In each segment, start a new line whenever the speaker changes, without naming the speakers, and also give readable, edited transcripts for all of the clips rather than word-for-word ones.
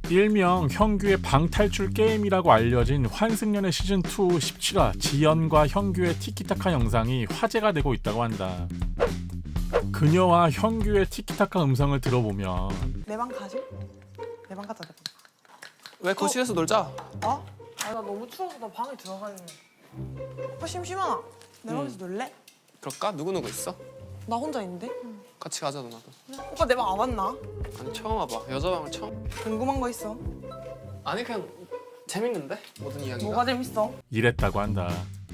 일명 형규의 방탈출 게임이라고 알려진 환승연애 시즌2 17화 지연과 형규의 티키타카 영상이 화제가 되고 있다고 한다. 그녀와 형규의 티키타카 음성을 들어보면
내 방 가지? 내 방 가자, 내 방.
왜 거실에서 놀자?
어? 아, 나 너무 추워서 나 방에 들어갈래. 오빠 심심하나? 내 방에서 놀래?
그럴까? 누구누구 있어?
나 혼자 있는데?
같이 가자 누나도.
오빠 내 방 안 왔나?
아니 처음 와봐. 여자 방을 처음.
궁금한 거 있어?
아니 그냥 재밌는데? 모든 이야기가.
뭐가 재밌어?
이랬다고 한다.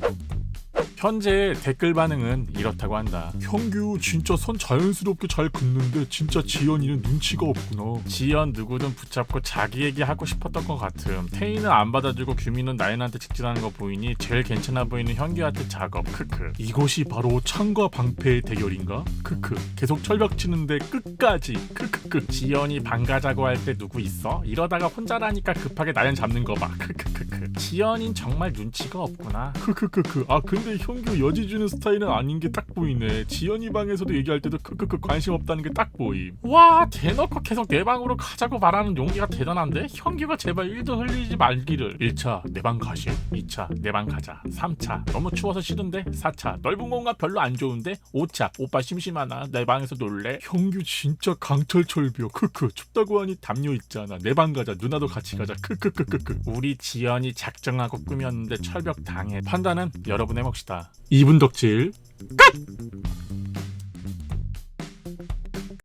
현재 댓글 반응은 이렇다고 한다. 형규 진짜 선 자연스럽게 잘 긋는데 진짜 지연이는 눈치가 없구나. 지연 누구든 붙잡고 자기 얘기 하고 싶었던 것 같음. 태희는 안 받아주고 규민은 나연한테 직진하는 거 보이니 제일 괜찮아 보이는 형규한테 작업. 크크. 이것이 바로 창과 방패의 대결인가? 크크. 계속 철벽 치는데 끝까지. 크크크. 지연이 방 가자고 할 때 누구 있어? 이러다가 혼자라니까 급하게 나연 잡는 거 봐. 크크크크. 지연인 정말 눈치가 없구나. 크크크크. 아 근데 형규 여지 주는 스타일은 아닌 게 딱 보이네. 지연이 방에서도 얘기할 때도 크크크 관심 없다는 게 딱 보임. 와 대놓고 계속 내 방으로 가자고 말하는 용기가 대단한데? 형규가 제발 1도 흘리지 말기를. 1차 내 방 가실? 2차 내 방 가자. 3차 너무 추워서 싫은데? 4차 넓은 공간 별로 안 좋은데? 5차 오빠 심심하나? 내 방에서 놀래? 형규 진짜 강철철비어. 크크. 춥다고 하니 담요 있잖아. 내 방 가자. 누나도 같이 가자. 크크크크크. 우리 지연이 작정하고 꾸몄는데 철벽 당해. 판단은 여러분의 몫이다. 2분 덕질 끝!